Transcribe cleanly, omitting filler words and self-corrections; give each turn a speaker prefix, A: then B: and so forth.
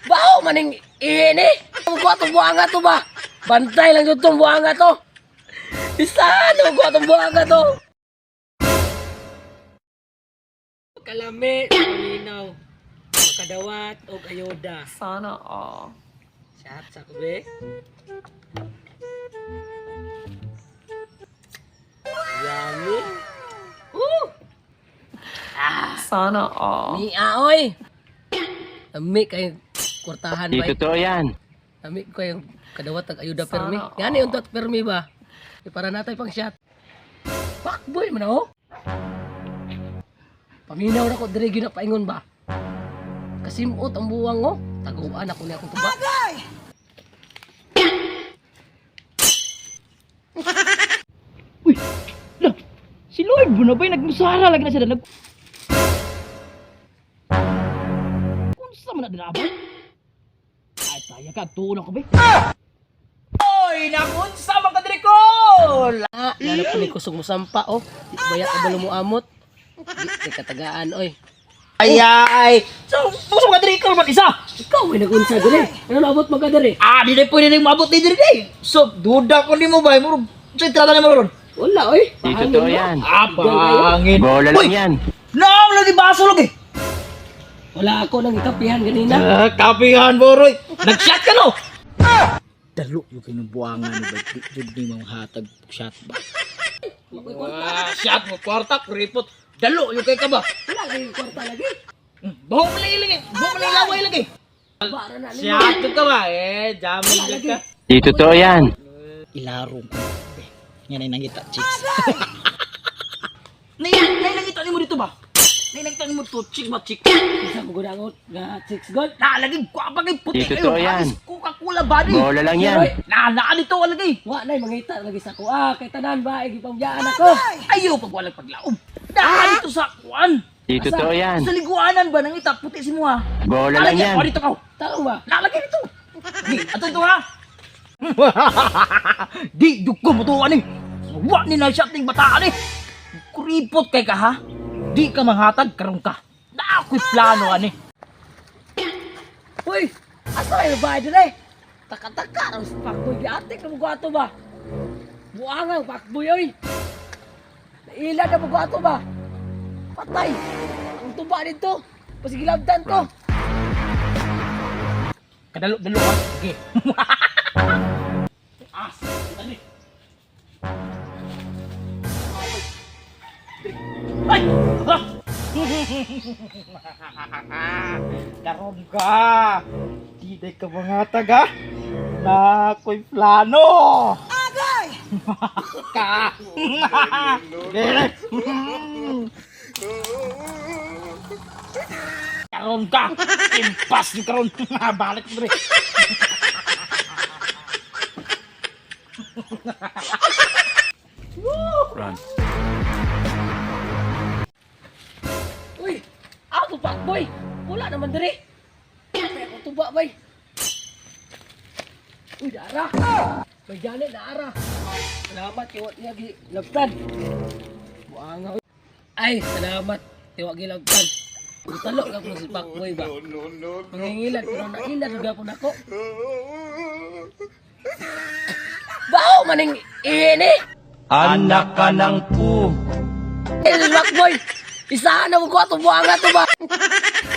A: Bao maning ini. Gua tuh buanga tuh ba. Bantay lang yung itong buanga to. Isano gua itong buanga to. Kalami, malinaw. Makadawat o ayoda.
B: Sana all.
A: Chat sa kubi. Yummy.
B: Sana all.
A: Ni aoy. Ami kay kurtahan
C: Di
A: ba?
C: totoo yan.
A: Ami ko yung kadawat ang ayuda
B: Sana
A: permi.
B: all.
A: Yan yung tot permi ba? Para natay pang shot. Fuckboy man ako. Paminaw na ko dire gyud na paingon ba? Kasimot ang buwang ko. Taguan ako ni akong tuba.
D: Uy, lah, si Lloyd mo na ba yung nagmusara lagi na siya na Kunsa man na dinabay? Ay, taya ka, tuon ako ba? Oy, nakunsa mga kadrikol!
A: Lalo ko ni kusog mo sampa oh. Di bayat ka balo mo amot. Di katagaan oy.
D: Ay! So, puso mga kadrikol man isa!
A: Ikaw may nagunsa dire. Ano nabot mo ka dire?
D: Di na pwede nang mabot ni Dirigay! So, duda ko ni mo ba? Muro, sa itrata na mo ron?
A: Wala oy.
C: Di totoo yan.
D: Pangin!
C: Bola lang yan.
D: Naam, lagi baso lagi!
A: Wala ako nang ikapihan ganina.
D: Kapihan, Boroy! Nag-shot ka no? Dalo yung kinubuangan ni ba? Di ni mga hatag shot ba? Shot mo, kwarta, kuripot. Dalo yung kay ka ba?
A: Wala kayong kwarta lagi.
D: Buhok mo lang laway lagi.
A: Bara na ni.
D: Shot ka ba? Jamin ka.
C: Di totoo yan.
D: Ilarong ko. Yan ay nangita, chicks. Nay nangita ni mo dito ba? Nay nangita ni mo to, chick ba, chick?
A: Isa mo gudangot nga 6 gold.
D: Lagi ko apagay puti.
C: Di totoo yan.
D: Coca-Cola body.
C: Bola lang yan.
D: Naan dito lagi.
A: Wa nay mangita lagi sa ko. Kay tanan ba igipambyaan ako.
D: Ayaw pag walang paglaom. Naan dito sa kuan.
C: Di totoo yan.
D: Sa liguanan ba nang ita puti si mo ha?
C: Bola lang yan.
D: Dito ka.
A: Tao ba?
D: Nalagay dito. Di, ato ito ha. Di, dugo mo to ani. Wa ni na shot ning bataan eh. Kuripot kay ka ha. Di ka manghatag karon ka. Na ako'y plano ani.
A: Uy, asa kayo ba dire? Taka-taka ang pakboy di ate ka mo ato ba? Buangang pakboy oy. Naila na mo ato ba? Patay. Ang tuba dito. Pasigilabdan ko.
D: Kadalo ha. Sige. Dali. Ay! Karon ka! Di day ka mangatag ha? Na ako'y plano! Agay! Ka! Karon ka! Impas ni karon! Balik mo rin!
C: Run.
A: Uy, ako pakboy. Wala naman dire. Patay ako tuba bay. Uy, dara. May jani na ara. Salamat tiwag niya gilabtan. Buanga. Ay, salamat tiwag gilabtan. Utalo ka po si pakboy ba? Mangingilan pero nainad juga po nako. Bao maning ini.
C: Anak ka ng pu.
A: Pakboy. Isa na mo ko ato buanga to ba?